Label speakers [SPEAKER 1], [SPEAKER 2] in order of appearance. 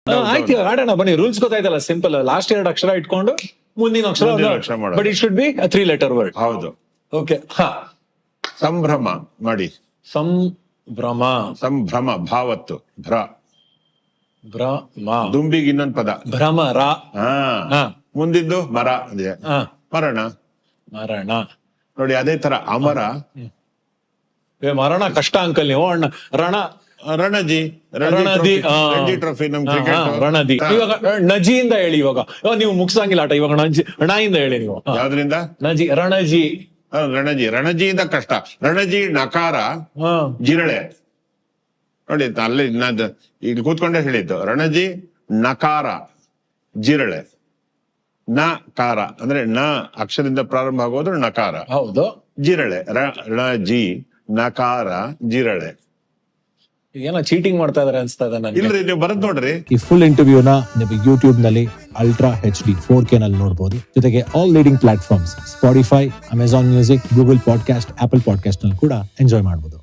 [SPEAKER 1] ಆಯ್ತು ಆಡೋಣ ಬನ್ನಿ. ರೂಲ್ಸ್ ಗೊತ್ತಾಯ್ತಲ್ಲ, ಸಿಂಪಲ್. ಲಾಸ್ಟ್ 2 ಅಕ್ಷರ ಇಟ್ಕೊಂಡು ಮುಂದಿನ ಅಕ್ಷರ
[SPEAKER 2] ಮಾಡೋದು.
[SPEAKER 1] But it should be 3 letter word.
[SPEAKER 2] ಹೌದು.
[SPEAKER 1] ಓಕೆ.
[SPEAKER 2] ಸಂಭ್ರಮ ಮಾಡಿ.
[SPEAKER 1] ಸಂಭ್ರಮ.
[SPEAKER 2] ಸಂಭ್ರಮ ಭಾವತ್ತು ಭ್ರ.
[SPEAKER 1] ಭ್ರಮ.
[SPEAKER 2] ದುಂಬಿಗೆ ಇನ್ನೊಂದು ಪದ
[SPEAKER 1] ಭ್ರಮರ.
[SPEAKER 2] ಹಾ. ಮುಂದಿದ್ದು ಮರ ಇದೆ. ಮರಣ.
[SPEAKER 1] ಮರಣ.
[SPEAKER 2] ನೋಡಿ ಅದೇ ತರ ಅಮರ.
[SPEAKER 1] ಮರಣ ಕಷ್ಟ ಅಂಕಲ್ ನೀವು. ಅಣ್ಣ ರಣ.
[SPEAKER 2] ರಣಜಿ.
[SPEAKER 1] ರಣಜಿ
[SPEAKER 2] ಟ್ರೋಫಿ ನಮ್ ಕ್ರಿಕೆಟ್.
[SPEAKER 1] ರಣಜಿ. ಇವಾಗ ನಜಿಯಿಂದ ಹೇಳಿ. ಇವಾಗ ನೀವು ಮುಗ್ಸಂಗಿಲ್ಲ ಆಟ. ಇವಾಗ ಣಯಿಂದ ಹೇಳಿ ನೀವು.
[SPEAKER 2] ಯಾವ್ದ್ರಿಂದ?
[SPEAKER 1] ನಜಿ. ರಣಜಿ.
[SPEAKER 2] ರಣಜಿ. ರಣಜಿಯಿಂದ ಕಷ್ಟ. ರಣಜಿ ನಕಾರ ಜಿರಳೆ. ನೋಡಿ ಅಲ್ಲಿ ಇಲ್ಲಿ ಕೂತ್ಕೊಂಡೆ ಹೇಳಿದ್ದು. ರಣಜಿ ನಕಾರ ಜಿರಳೆ. ನಕಾರ ಅಂದ್ರೆ ನ ಅಕ್ಷರದಿಂದ ಪ್ರಾರಂಭ ಆಗೋದು ನಕಾರ.
[SPEAKER 1] ಹೌದು.
[SPEAKER 2] ಜಿರಳೆ. ರಣಜಿ ನಕಾರ ಜಿರಳೆ.
[SPEAKER 1] ಏನೋ ಚೀಟಿಂಗ್ ಮಾಡ್ತಾ ಇದಾರೆ ಅನ್ಸ್ತಾ ಇದೆ ನನಗೆ.
[SPEAKER 2] ಇಲ್ರಿ ನೀವು ಬರದ್ ನೋಡ್ರಿ.
[SPEAKER 3] ಈ ಫುಲ್ ಇಂಟರ್ವ್ಯೂನ ನಿಮಗೆ ಯೂಟ್ಯೂಬ್ ನಲ್ಲಿ ಅಲ್ಟ್ರಾ HD 4K ನಲ್ಲಿ ನೋಡಬಹುದು. ಜೊತೆಗೆ all leading platforms Spotify, Amazon music, Google podcast, Apple podcast ನಲ್ಲಿ ಕೂಡ ಎಂಜಾಯ್ ಮಾಡಬಹುದು.